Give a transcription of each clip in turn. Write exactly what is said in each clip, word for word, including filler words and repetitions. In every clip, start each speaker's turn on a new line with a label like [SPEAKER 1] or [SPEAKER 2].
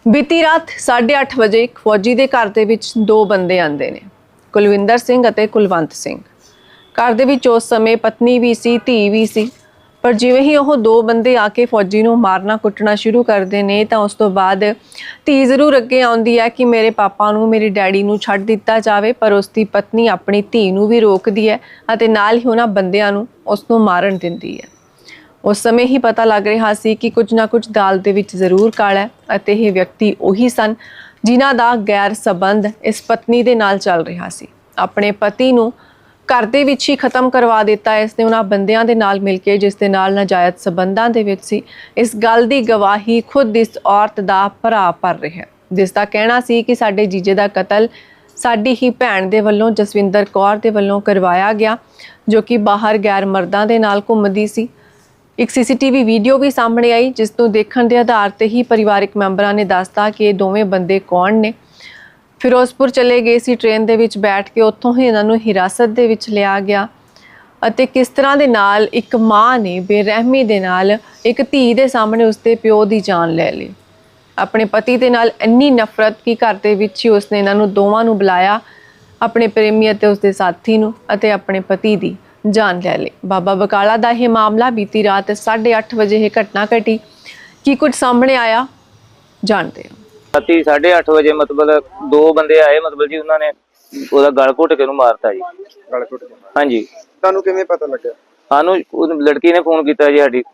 [SPEAKER 1] बीती रात साढ़े अठ बजे एक फौजी के घर के विच दो बंदे आते हैं, कुलविंदर सिंह और कुलवंत सिंह। घर के विच उस समय पत्नी भी सी, धी भी सी, पर जिवें ही वह दो बंदे आके फौजी नूं मारना कुटना शुरू करते हैं तो उस तो बाद धी जरूर अगे आउंदी है कि मेरे पापा नूं मेरे डैडी नूं छड्ड दिता जाए, पर उसकी पत्नी अपनी धी नूं भी रोकदी है अते नाल ही उन्हां बंदियां नूं उस नूं मारन दिंदी है। उस समय ही पता लग रहा सी कि कुछ ना कुछ दाल दे विच जरूर काला है अते ये व्यक्ति उही सन जिन्हां दा गैर संबंध इस पत्नी दे नाल चल रहा सी। अपने पति नूं घर दे विच ही खत्म करवा दिता इसने उन्हां बंदियां दे नाल मिल के जिस दे नाल नाजायज संबंधां दे विच सी। इस गल दी गवाही खुद इस औरत दा भरा भर रहा है, जिस दा कहना सी कि साडे जीजे दा कतल साडी ही भैण दे वल्लों जसविंदर कौर दे वल्लों करवाया गया, जो कि बाहर गैर मर्दां दे नाल घुमदी सी। एक सीसीटीवी वीडियो भी सामने आई जिसनों देखने के आधार पर ही परिवारिक मैंबरों ने दसता कि ये दोवें बंदे कौन ने। फिरोजपुर चले गए सी ट्रेन दे विच बैठ के, उत्थों ही इन्हों हिरासत दे विच लिया गया अते किस तरह दे नाल एक माँ ने बेरहमी दे नाल एक धी दे सामने उसके प्यो की जान ले ली। अपने पति दे नाल इन्नी नफरत कि घर दे विच ही उसने इन्हों दोवां नूं बुलाया, अपने प्रेमी अते उसके साथी नूं अते अपने पति की जान ले ली। बाबा बकाला का यह मामला बीती रात साढ़े अठ बजे यह घटना घटी। की कुछ सामने आया जानते हैं।
[SPEAKER 2] राती साढ़े अठ बजे मतलब दो बंदे आए, मतलब जी उन्होंने ਉਹਦਾ ਗਲ ਘੁੱਟ ਕੇ ਨੂੰ ਮਾਰਤਾ ਜੀ।
[SPEAKER 3] ਗਲ ਘੁੱਟ ਕੇ
[SPEAKER 2] ਹਾਂਜੀ।
[SPEAKER 3] ਤੁਹਾਨੂੰ ਕਿਵੇਂ ਪਤਾ ਲੱਗਿਆ?
[SPEAKER 2] ਸਾਨੂੰ ਉਹ ਲੜਕੀ ਨੇ ਫੋਨ ਕੀਤਾ ਜੀ, ਸਾਡੀ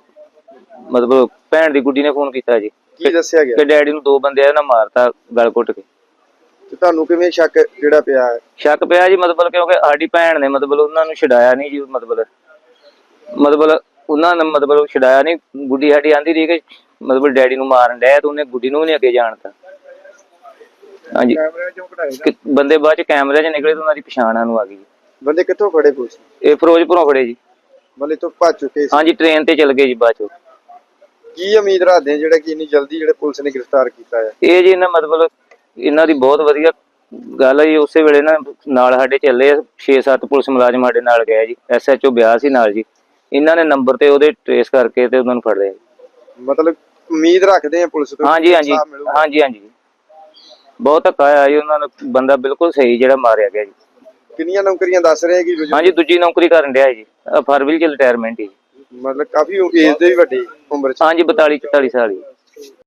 [SPEAKER 2] ਮਤਲਬ ਭੈਣ ਦੀ ਗੁੱਡੀ ਨੇ ਫੋਨ ਕੀਤਾ ਜੀ।
[SPEAKER 3] ਕੀ ਦੱਸਿਆ ਗਿਆ
[SPEAKER 2] ਕਿ ਡੈਡੀ ਨੂੰ ਦੋ ਬੰਦੇ ਆ ਨਾ ਮਾਰਤਾ ਗਲ ਘੁੱਟ ਕੇ।
[SPEAKER 3] ਤੇ ਤੁਹਾਨੂੰ ਕਿਵੇਂ ਸ਼ੱਕ ਜਿਹੜਾ ਪਿਆ ਹੈ?
[SPEAKER 2] ਸ਼ੱਕ ਪਿਆ ਜੀ ਮਤਲਬ ਕਿਉਂਕਿ ਸਾਡੀ ਭੈਣ ਨੇ ਮਤਲਬ ਉਹਨਾਂ ਨੂੰ ਛਡਾਇਆ ਨਹੀਂ ਜੀ, ਮਤਲਬ ਮਤਲਬ ਉਹਨਾਂ ਨੇ ਮਤਲਬ ਛਡਾਇਆ ਨਹੀਂ। ਗੁੱਡੀ ਸਾਡੀ ਆਂਦੀ ਰਹੀ ਕਿ ਮਤਲਬ ਡੈਡੀ ਨੂੰ ਮਾਰਨ ਡਿਆ ਤੇ ਉਹਨੇ ਗੁੱਡੀ ਨੂੰ ਵੀ ਨਹੀਂ ਅੱਗੇ ਜਾਣਤਾ। ਹਾਂਜੀ,
[SPEAKER 3] ਕੈਮਰੇ ਚੋਂ ਕਢਾਏ
[SPEAKER 2] ਬੰਦੇ ਬਾਅਦ ਚ ਕੈਮਰੇ 'ਚ ਨਿਕਲੇ ਤੇ ਉਹਨਾਂ ਦੀ ਪਛਾਣ ਸਾਨੂੰ ਆ ਗਈ।
[SPEAKER 3] ਬੰਦੇ ਕਿੱਥੋਂ ਫੜੇ ਪੁਲਿਸ?
[SPEAKER 2] ਇਹ ਫਿਰੋਜ਼ਪੁਰੋਂ ਫੜੇ ਜੀ।
[SPEAKER 3] ਮਤਲਬ ਤੋਂ ਭੱਜ ਚੁੱਕੇ ਸੀ?
[SPEAKER 2] ਹਾਂਜੀ, ਟ੍ਰੇਨ ਤੇ ਚਲ ਗਏ ਜੀ ਬਾਅਦ ਚ।
[SPEAKER 3] ਕੀ ਉਮੀਦ ਰੱਖਦੇ ਆ ਜਿਹੜਾ ਕਿ ਇੰਨੀ ਜਲਦੀ ਜਿਹੜੇ ਪੁਲਿਸ ਨੇ ਗ੍ਰਿਫਤਾਰ ਕੀਤਾ ਹੈ?
[SPEAKER 2] ਇਹ ਜੀ ਇਹਨਾਂ ਮਤਲਬ ਇਹਨਾਂ ਦੀ ਬਹੁਤ ਵਧੀਆ ਗੱਲ ਹੈ ਜੀ। ਉਸੇ ਵੇਲੇ ਨਾ ਨਾਲ ਸਾਡੇ ਚੱਲੇ ਛੇ ਸੱਤ ਪੁਲਿਸ ਮੁਲਾਜ਼ਮ ਸਾਡੇ ਨਾਲ ਗਏ ਜੀ, ਐਸ ਐਚ ਓ ਬਿਆਹ ਸੀ ਨਾਲ ਜੀ। ਇਹਨਾਂ ਨੇ ਨੰਬਰ ਤੇ ਉਹਦੇ ਟ੍ਰੇਸ ਕਰਕੇ ਤੇ ਉਹਨਾਂ ਨੂੰ ਫੜ ਲਿਆ।
[SPEAKER 3] ਮਤਲਬ ਉਮੀਦ ਰੱਖਦੇ ਆ ਪੁਲਿਸ ਤੋਂ?
[SPEAKER 2] ਹਾਂਜੀ ਹਾਂਜੀ ਹਾਂਜੀ ਹਾਂਜੀ, ਬਹੁਤ ਧੱਕਾ ਆਇਆ ਜੀ ਉਹਨਾਂ ਨੂੰ। ਬੰਦਾ ਬਿਲਕੁਲ ਸਹੀ ਜਿਹੜਾ ਮਾਰਿਆ ਗਿਆ ਜੀ।
[SPEAKER 3] ਕਿੰਨੀਆਂ ਨੌਕਰੀਆਂ ਦੱਸ ਰਹੇ ਕਿ?
[SPEAKER 2] ਹਾਂਜੀ, ਦੂਜੀ ਨੌਕਰੀ ਕਰਨ ਡਿਆ ਜੀ, ਫਰਵਰੀ ਚ ਰਿਟਾਇਰਮੈਂਟ ਜੀ।
[SPEAKER 3] ਮਤਲਬ ਕਾਫੀ ਏਜ ਦੇ ਵੀ ਵੱਡੇ ਉਮਰ ਚ?
[SPEAKER 2] ਹਾਂਜੀ, ਬਤਾਲੀ ਚੁਤਾਲੀ ਸਾਲ ਜੀ।